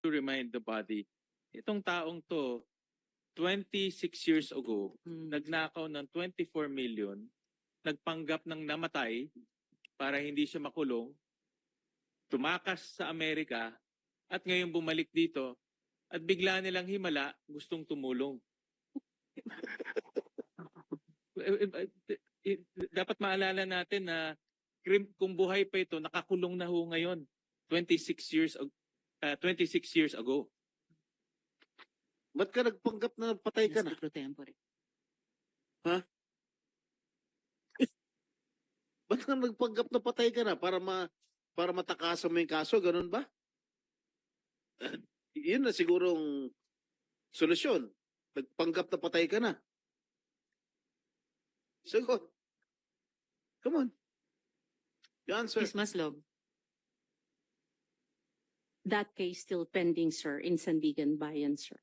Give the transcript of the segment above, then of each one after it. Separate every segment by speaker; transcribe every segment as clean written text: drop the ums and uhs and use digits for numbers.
Speaker 1: to remind the body, itong taong to, 26 years ago, nagnakaw ng 24 million, nagpanggap ng namatay para hindi siya makulong, tumakas sa Amerika, at ngayon bumalik dito, at bigla nilang himala, gustong tumulong. Dapat maalala natin na kung buhay pa ito, nakakulong na ho ngayon, 26 years ago.
Speaker 2: Ba't ka nagpanggap na patay ka na?
Speaker 3: Pro tempore.
Speaker 2: Ha? Ba't ka nagpanggap na patay ka na? Para matakasan mo yung kaso, ganun ba? Yun na sigurong solusyon. Nagpanggap na patay ka na. Sagot. Come on. You answer.
Speaker 3: Ms. Maslog.
Speaker 4: That case still pending, sir, in Sandigan Bayan, sir.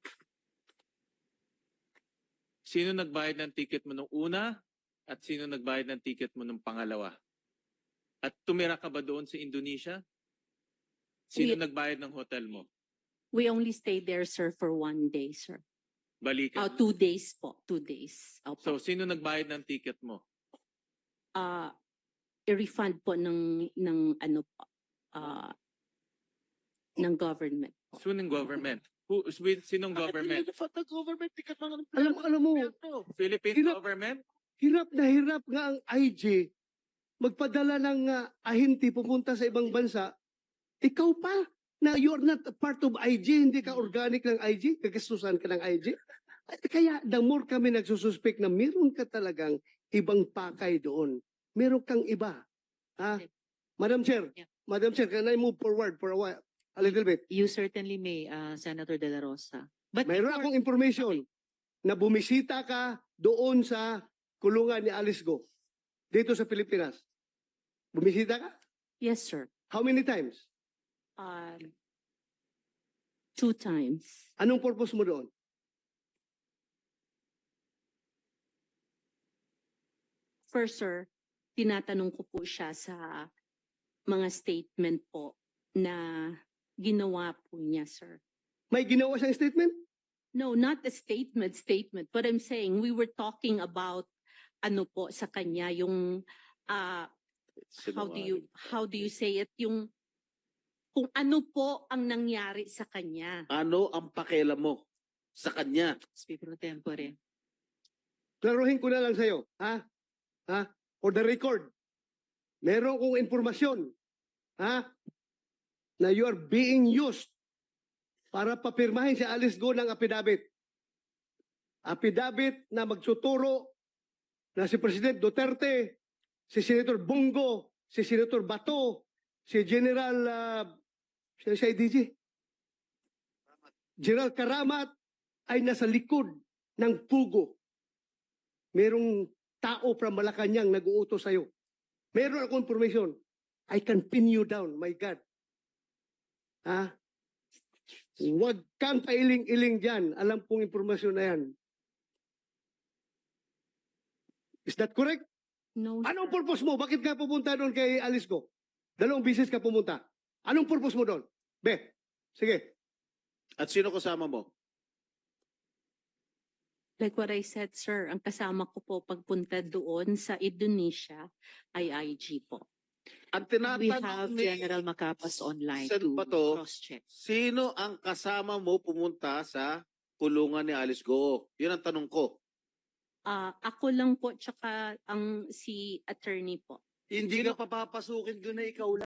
Speaker 1: Sino nagbayad ng ticket mo nung una at sino nagbayad ng ticket mo nung pangalawa? At tumira ka ba doon sa Indonesia? Sino nagbayad ng hotel mo?
Speaker 4: We only stayed there, sir, for 1 day, sir.
Speaker 1: Balikan.
Speaker 4: 2 days po. 2 days.
Speaker 1: So, sino nagbayad ng ticket mo?
Speaker 4: I-refund po ng ano po, ng government.
Speaker 1: Sinong government? Sinong government?
Speaker 2: The government, tikat mga
Speaker 5: Alam mo,
Speaker 1: Philippine
Speaker 5: Hirap.
Speaker 1: government?
Speaker 5: hirap nga ang IG magpadala ng ahente pupunta sa ibang bansa. Ikaw pa na you are not a part of IG, hindi ka organic ng IG, kagastusan ka ng IG. Kaya the more kami nagsususpek na meron ka talagang ibang pakay doon. Meron kang iba. Ha? Madam Chair,
Speaker 3: Yeah.
Speaker 5: Madam Chair, can I move forward for a while? A little bit.
Speaker 3: You certainly may, Senator De La Rosa. But
Speaker 5: Mayroon akong information na bumisita ka doon sa kulungan ni Alice Go dito sa Pilipinas. Bumisita ka?
Speaker 4: Yes, sir.
Speaker 5: How many times?
Speaker 4: 2 times.
Speaker 5: Anong purpose mo doon?
Speaker 4: First, sir, tinatanong ko po siya sa mga statement po na ginawa po niya, sir.
Speaker 5: May ginawa siyang statement?
Speaker 4: No, not a statement, but I'm saying we were talking about ano po sa kanya, yung how do you say it, yung kung ano po ang nangyari sa kanya.
Speaker 2: Ano ang pakialam mo sa kanya?
Speaker 3: Speaker Pro Tempore.
Speaker 5: Klaruhin ko na lang sa'yo. Ha? Ha? For the record, meron kong informasyon. Ha? Na you are being used para papirmahin si Alice Go ng affidavit. Affidavit na magsuturo na si President Duterte, si Senator Bongo, si Senator Bato, si General si IDG, General Karamat ay nasa likod ng pugo. Merong tao from Malacanang nag-uutos sa'yo. Meron akong information. I can pin you down, my God. Ha? Huwag kang pailing-iling dyan. Alam pong informasyon na yan. Is that correct?
Speaker 4: No, sir.
Speaker 5: Anong purpose mo? Bakit ka pupunta doon kay Alice Go? 2 bisis ka pumunta. Anong purpose mo doon? Be, sige.
Speaker 2: At sino kasama mo?
Speaker 4: Like what I said, sir, ang kasama ko po pagpunta doon sa Indonesia ay IG po.
Speaker 2: Ang
Speaker 3: We
Speaker 2: tinatanong
Speaker 3: have
Speaker 2: ni
Speaker 3: General Macapas online
Speaker 2: Sen.
Speaker 3: to
Speaker 2: Bato,
Speaker 3: cross-check.
Speaker 2: sino ang kasama mo pumunta sa kulungan ni Alice Go? Yun ang tanong ko.
Speaker 4: Ako lang po, tsaka ang si attorney po.
Speaker 2: Hindi ka papapasukin doon na ikaw lang.